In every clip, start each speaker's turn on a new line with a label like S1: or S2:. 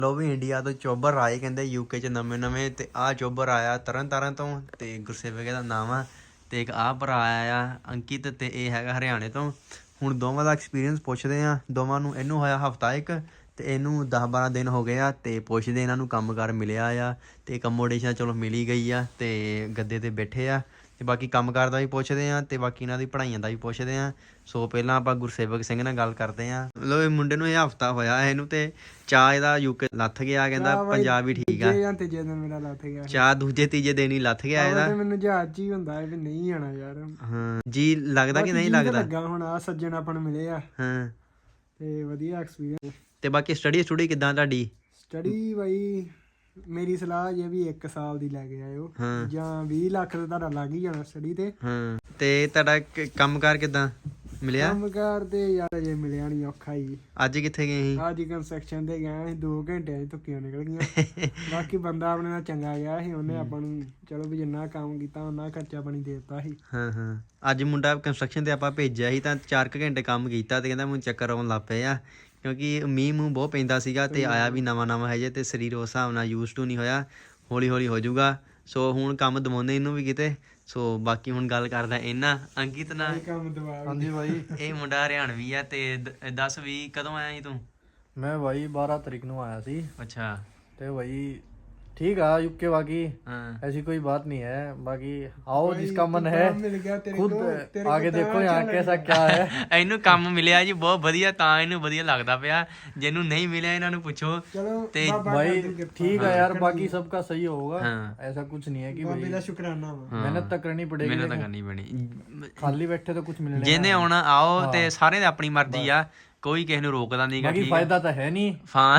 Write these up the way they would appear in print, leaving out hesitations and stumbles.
S1: ਲੋ ਵੀ India ਤੋਂ ਚੋਬਰ ਆਏ ਕਹਿੰਦੇ ਯੂਕੇ ਚ ਨਵੇਂ ਤੇ ਆਹ ਚੋਬਰ ਆਇਆ ਤਰਨ ਤੋਂ ਤੇ ਗੁਰਸੇਵਕ ਦਾ ਨਾਮ ਆ ਤੇ ਇੱਕ ਆਹ ਭਰਾ ਆਇਆ ਅੰਕਿਤ ਤੇ ਇਹ ਹੈਗਾ ਹਰਿਆਣੇ ਤੋਂ। ਹੁਣ ਦੋਵਾਂ ਦਾ ਐਕਸਪੀਰੀਅੰਸ ਪੁੱਛਦੇ ਆ। ਦੋਵਾਂ ਨੂੰ, ਇਹਨੂੰ ਹੋਇਆ ਹਫਤਾ ਇੱਕ ਤੇ ਇਹਨੂੰ 10-12 ਦਿਨ ਹੋ ਗਏ ਆ ਤੇ ਪੁੱਛਦੇ ਇਹਨਾਂ ਨੂੰ ਕੰਮਕਾਰ ਮਿਲਿਆ ਆ ਤੇ ਅਕਮੋਡੇਸ਼ਨ ਚਲੋ ਮਿਲੀ ਗਈ ਆ ਤੇ ਗੱਦੇ ਤੇ ਬੈਠੇ ਆ ਤੇ ਬਾਕੀ ਕੰਮਕਾਰ ਦਾ ਵੀ ਪੁੱਛਦੇ ਆ ਤੇ ਬਾਕੀ ਇਹਨਾਂ ਦੀ ਪੜ੍ਹਾਈਆਂ ਦਾ ਵੀ ਪੁੱਛਦੇ ਆ। ਸੋ ਪਹਿਲਾਂ ਆਪਾਂ ਗੁਰਸੇਵਕ ਸਿੰਘ ਨਾਲ ਗੱਲ ਕਰਦੇ ਆ। ਮਤਲਬ ਇਹ ਮੁੰਡੇ ਨੂੰ ਇਹ ਹਫਤਾ ਹੋਇਆ ਇਹਨੂੰ ਤੇ ਚਾਹ ਇਹਦਾ ਯੂਕੇ ਲੱਥ ਗਿਆ, ਕਹਿੰਦਾ ਪੰਜਾਬ ਹੀ ਠੀਕ ਆ।
S2: ਤੀਜੇ ਦਿਨ ਮੇਰਾ ਲੱਥ ਗਿਆ
S1: ਚਾਹ, ਦੂਜੇ ਤੀਜੇ ਦਿਨ ਹੀ ਲੱਥ ਗਿਆ ਇਹਦਾ।
S2: ਮੈਨੂੰ ਜਹਾਜ਼ 'ਚ ਹੀ ਹੁੰਦਾ ਵੀ ਨਹੀਂ ਆਣਾ ਯਾਰ।
S1: ਹਾਂ ਜੀ ਲੱਗਦਾ ਕਿ ਨਹੀਂ ਲੱਗਦਾ?
S2: ਲੱਗਾ ਹੁਣ ਆ ਸੱਜਣ ਆਪਾਂ ਨੂੰ ਮਿਲੇ ਆ
S1: ਹਾਂ
S2: ਤੇ ਵਧੀਆ ਐਕਸਪੀਰੀਅੰਸ।
S1: ਤੇ ਬਾਕੀ ਸਟੱਡੀ ਕਿੱਦਾਂ ਤੁਹਾਡੀ?
S2: ਸਟੱਡੀ ਬਾਈ ਮੇਰੀ ਸਲਾਹ ਜੇ ਵੀ 1 ਸਾਲ ਦੀ ਲੈ ਕੇ ਆਇਓ ਜਾਂ 20 ਲੱਖ ਦਾ ਤੁਹਾਡਾ ਲੱਗ ਹੀ ਜਾਣਾ ਸਟੱਡੀ ਤੇ।
S1: ਹਾਂ ਤੇ ਤੁਹਾਡਾ ਕੰਮਕਾਰ ਕਿੱਦਾਂ ਮਿਲਿਆ?
S2: ਕੰਮਕਾਰ ਤੇ ਯਾਰ ਅਜੇ ਮਿਲਿਆ ਨਹੀਂ, ਔਖਾ ਹੀ।
S1: ਅੱਜ ਕਿੱਥੇ ਗਏ ਸੀ?
S2: ਅੱਜ ਕੰਸਟਰਕਸ਼ਨ ਤੇ ਗਏ ਸੀ, 2 ਘੰਟਿਆਂ 'ਚ ਧੁੱਕੀਆਂ ਨਿਕਲ ਗਈਆਂ। ਬਾਕੀ ਬੰਦਾ ਆਪਣੇ ਨਾਲ ਚੰਗਾ ਗਿਆ ਸੀ, ਉਹਨੇ ਆਪਾਂ ਨੂੰ ਚਲੋ ਵੀ ਜਿੰਨਾ ਕੰਮ ਕੀਤਾ ਉਹਨਾਂ ਖਰਚਾ ਪਾਣੀ ਦੇ ਦਿੱਤਾ ਸੀ।
S1: ਹਾਂ ਅੱਜ ਮੁੰਡਾ ਕੰਸਟਰਕਸ਼ਨ ਤੇ ਆਪਾਂ ਭੇਜਿਆ ਸੀ ਤਾਂ 4 ਘੰਟੇ ਕੰਮ ਕੀਤਾ ਤੇ ਕਹਿੰਦਾ ਮੈਨੂੰ ਚੱਕਰ ਆਉਣ ਲੱਗ ਪਏ ਆ ਕਿਉਂਕਿ ਮੀਂਹ ਮੂੰਹ ਬਹੁਤ ਪੈਂਦਾ ਸੀਗਾ ਤੇ ਆਇਆ ਵੀ ਨਵਾਂ ਹੈ ਜੇ ਤੇ ਸਰੀਰ ਉਸ ਹਿਸਾਬ ਨਾਲ ਯੂਜ਼ ਟੂ ਨਹੀਂ ਹੋਇਆ। ਹੌਲੀ ਹੋ ਜਾਊਗਾ। ਸੋ ਹੁਣ ਕੰਮ ਦਵਾਉਂਦੇ ਇਹਨੂੰ ਵੀ ਕਿਤੇ। ਸੋ ਬਾਕੀ ਹੁਣ ਗੱਲ ਕਰਦਾ ਇਹਨਾਂ ਅੰਕਿਤ ਨਾਲ।
S2: ਹਾਂਜੀ ਬਾਈ,
S1: ਇਹ ਮੁੰਡਾ ਹਰਿਆਣਵੀ ਆ ਤੇ ਦੱਸ ਵੀ ਕਦੋਂ ਆਇਆ ਸੀ ਤੂੰ?
S3: मैं भाई 12 तारीख ਨੂੰ ਆਇਆ ਸੀ।
S1: अच्छा
S3: ਤੇ भाई ठीक है यूके बाकी ऐसी कोई बात नहीं है। बाकी आओ जिसका मन है खुद आगे देखो यहाँ कैसा क्या है।
S1: ਇਹਨੂੰ ਕੰਮ ਮਿਲਿਆ ਜੀ ਬਹੁਤ ਵਧੀਆ ਤਾਂ ਇਹਨੂੰ ਵਧੀਆ ਲੱਗਦਾ ਪਿਆ। ਜਿਹਨੂੰ ਨਹੀਂ ਮਿਲਿਆ ਇਹਨਾਂ ਨੂੰ ਪੁੱਛੋ ਤੇ
S3: भाई ठीक है यार, बाकी सबका सही होगा। ऐसा कुछ नहीं है कि भाई
S2: शुक्राना
S3: मेहनत तो करनी पड़ेगी,
S1: ਮਿਹਨਤ ਕਰਨੀ ਪੈਣੀ।
S3: खाली बैठे तो कुछ मिलने
S1: ਜਿਹਨੇ ਆਉਣਾ ਆਓ ਤੇ ਸਾਰਿਆਂ ਦੀ ਆਪਣੀ ਮਰਜ਼ੀ ਆ, ਕੋਈ ਕਿਸੇ ਨੂੰ ਰੋਕਦਾ ਨਹੀਂਗਾ।
S3: बाकी फायदा तो है नहीं।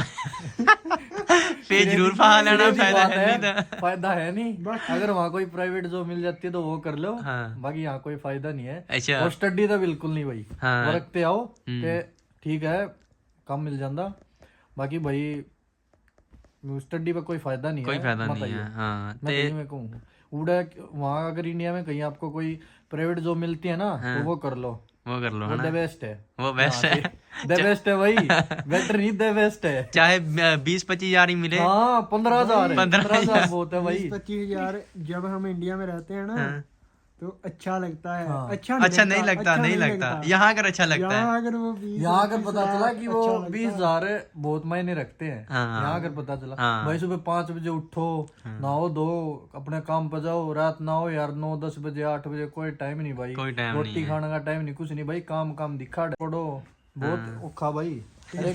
S1: ਫੇਰ ਜ਼ਰੂਰ ਫਾ ਲੈਣਾ, फायदा है नहीं था।
S3: फायदा है नहीं। अगर वहाँ कोई प्राइवेट जॉब मिल जाती है तो वो कर लो। बाकी यहाँ कोई फायदा नहीं है।
S1: अच्छा
S3: और स्टडी तो बिल्कुल नहीं भाई। वर्क पे आओ ते ठीक है काम मिल जाता। बाकी भाई स्टडी पे कोई फायदा नहीं है,
S1: कोई फायदा नहीं है। हाँ
S3: मैं कहीं में कहूँ उड़ा वहाँ अगर इंडिया में कहीं आपको कोई प्राइवेट जॉब मिलती है ना तो वो कर लो,
S1: वो कर लो,
S3: वो द बेस्ट है।
S1: वो बेस्ट है,
S3: द बेस्ट है भाई। बेटर नहीं, द बेस्ट है।
S1: चाहे 20-25 हजार ही मिले।
S3: हाँ 15,000 15,000 बहुत है भाई।
S2: 25,000 जब हम इंडिया में रहते हैं ना तो अच्छा लगता है।
S1: अच्छा नहीं लगता। यहाँ अगर अच्छा लगता है।
S3: यहाँ अगर पता चला कि वो 20,000 बहुत मायने रखते हैं। यहाँ अगर पता चला भाई सुबह 5 बजे उठो, नहाओ धो, अपने काम पे जाओ, रात ना हो यार 9-10 बजे 8 बजे कोई टाइम नहीं भाई। रोटी खाने का टाइम नहीं, कुछ नहीं भाई। काम दिखा पड़ो, बहुत औखा भाई। अरे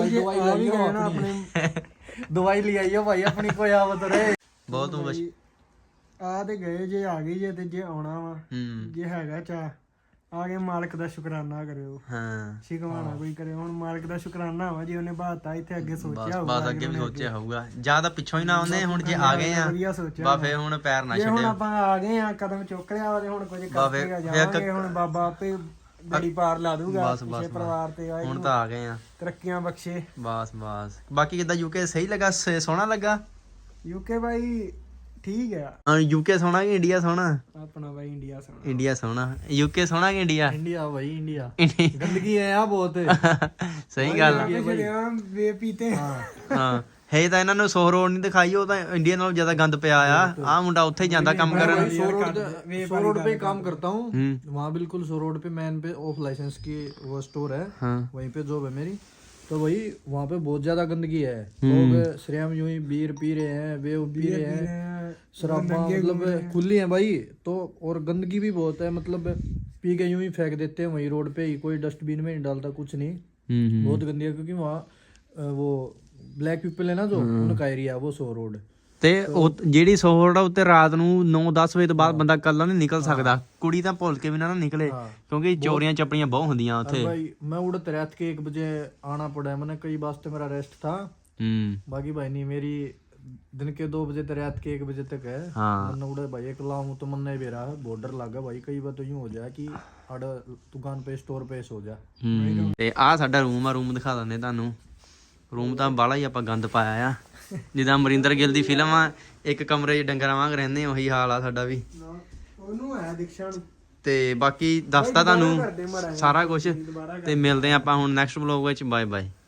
S3: दवाई ले आइयो भाई अपनी, कोई आवत रहे
S1: बहुत
S2: ਆ ਤੇ ਗਏ ਜੇ ਆ ਗਈ ਜੇ ਤੇ ਜੇ ਆਉਣਾ ਵਾ ਜੇ ਹੈਗਾ ਚਾ ਆ ਕੇ ਮਾਲਕ ਦਾ ਸ਼ੁਕਰਾਨਾ ਕਰਿਓ।
S1: ਹਾਂ
S2: ਸ਼ਿਕਵਾਣਾ ਕੋਈ ਕਰੇ। ਹੁਣ ਮਾਲਕ ਦਾ ਸ਼ੁਕਰਾਨਾ ਵਾ ਜੇ ਉਹਨੇ ਬਾਤਾ ਇੱਥੇ ਅੱਗੇ ਸੋਚਿਆ ਹੋਊਗਾ।
S1: ਬਸ ਅੱਗੇ ਵੀ ਸੋਚਿਆ ਹੋਊਗਾ, ਜਾਂ ਤਾਂ ਪਿੱਛੋਂ ਹੀ ਨਾ ਆਉਂਦੇ। ਹੁਣ ਜੇ ਆ ਗਏ ਆ ਬਾ ਫੇ ਹੁਣ ਪੈਰ ਨਾ ਛੱਡਿਓ।
S2: ਹੁਣ ਆਪਾਂ ਆ ਗਏ ਆ, ਕਦਮ ਚੁੱਕ ਲਿਆ ਵਾ ਤੇ ਹੁਣ ਕੁਝ ਕਰਕੇ ਜਾਵਾਂਗੇ। ਹੁਣ ਬਾਬਾ ਆਪੇ ਬੜੀ ਪਾਰ ਲਾ ਦੂਗਾ ਕਿਸੇ ਪਰਿਵਾਰ ਤੇ।
S1: ਹੁਣ ਤਾਂ ਆ ਗਏ ਆ,
S2: ਤਰੱਕੀਆਂ ਬਖਸ਼ੇ।
S1: ਬਸ ਬਾਕੀ ਕਿੱਦਾਂ ਯੂਕੇ ਸਹੀ ਲੱਗਾ? ਸੋਹਣਾ ਲੱਗਾ
S2: ਯੂਕੇ ਬਾਈ? ਠੀਕ ਆ।
S1: ਯੂਕੇ ਸੋਹਣਾ ਕਿ ਇੰਡੀਆ ਸੋਹਣਾ?
S2: ਆਪਣਾ ਬਾਈ ਇੰਡੀਆ ਸੋਹਣਾ।
S1: ਇੰਡੀਆ ਸੋਹਣਾ। ਯੂਕੇ ਸੋਹਣਾ ਕਿ ਇੰਡੀਆ?
S3: इंडिया भाई इंडिया। गंदगी है यहाँ बहुत।
S1: ਸਹੀ ਗੱਲ
S2: ਵੇ ਪੀਤੇ।
S1: ਹਾਂ ਹੈ ਤਾਂ ਇਹਨਾਂ ਨੂੰ 100 ਰੋਡ ਨਹੀਂ ਦਿਖਾਈ, ਉਹ ਤਾਂ ਇੰਡੀਆ ਨਾਲੋਂ ਜ਼ਿਆਦਾ ਗੰਦ ਪਿਆ ਆ ਮੁੰਡਾ ਉੱਥੇ ਹੀ ਜਾਂਦਾ ਕੰਮ ਕਰਨ।
S3: 100 रोड पे काम करता हूँ वहाँ, बिल्कुल 100 रोड पे मैन पे ऑफ लाइसेंस की वो स्टोर है, वहीं पे जॉब है मेरी। तो भाई वहाँ पे बहुत ज्यादा गंदगी है। लोग श्रेम यूं ही बीयर पी रहे हैं, वे पी रहे हैं, शराबा मतलब खुली है भाई। तो और गंदगी भी बहुत है, मतलब पी के यूं ही फेंक देते हैं वहीं रोड पे ही, कोई डस्टबिन में नहीं डालता कुछ नहीं। बहुत गंदी है क्योंकि वहाँ वो ब्लैक पीपल है ना जो उनका एरिया, वो 100 रोड।
S1: ਤੇ ਜਿਹੜੀ 100 ਰੋਡ ਉੱਤੇ ਰਾਤ ਨੂੰ 9-10 ਵਜੇ ਤੋਂ ਬਾਅਦ ਬੰਦਾ ਕੱਲਾ ਨਹੀਂ ਨਿਕਲ ਸਕਦਾ। ਕੁੜੀ ਤਾਂ ਭੁੱਲ ਕੇ ਵੀ ਨਾ ਨਿਕਲੇ ਕਿਉਂਕਿ ਚੋਰੀਆਂ ਚੱਪੜੀਆਂ ਬਹੁਤ ਹੁੰਦੀਆਂ ਉੱਥੇ।
S3: भाई मैं उड़ते रात के 1 बजे आना पड़ा है, मैंने कई वास्ते मेरा रेस्ट था। बाकी भाई नहीं, मेरी दिन के 2 बजे तक रात के 1 बजे तक है। मैंने उड़े भाई एक लाऊं तो मन नहीं भी रहा, बॉर्डर लगा भाई। कई बार तो यूं हो जाए कि आड़ दुकान पे स्टोर पे सो जा।
S1: ਤੇ ਆਹ ਸਾਡਾ ਰੂਮ ਆ, ਰੂਮ ਦਿਖਾ ਦਿੰਦੇ ਤੁਹਾਨੂੰ। ਰੂਮ ਤਾਂ ਬਾਹਲਾ ਹੀ ਆਪਾਂ ਗੰਦ ਪਾਇਆ ਆ, ਜਿੱਦਾਂ ਅਮਰਿੰਦਰ ਗਿੱਲ ਦੀ ਫਿਲਮ ਆ, ਇੱਕ ਕਮਰੇ 'ਚ ਡੰਗਰਾਂ ਵਾਂਗ ਰਹਿੰਦੇ, ਉਹੀ ਹਾਲ ਆ ਸਾਡਾ ਵੀ।
S2: ਉਹਨੂੰ ਹੈ ਦੀਕਸ਼ਾ ਨੂੰ।
S1: ਤੇ ਬਾਕੀ ਦੱਸਤਾ ਤੁਹਾਨੂੰ ਸਾਰਾ ਕੁਝ ਤੇ ਮਿਲਦੇ ਆਪਾਂ ਹੁਣ ਨੈਕਸਟ ਵਲੌਗ ਵਿੱਚ। Bye bye.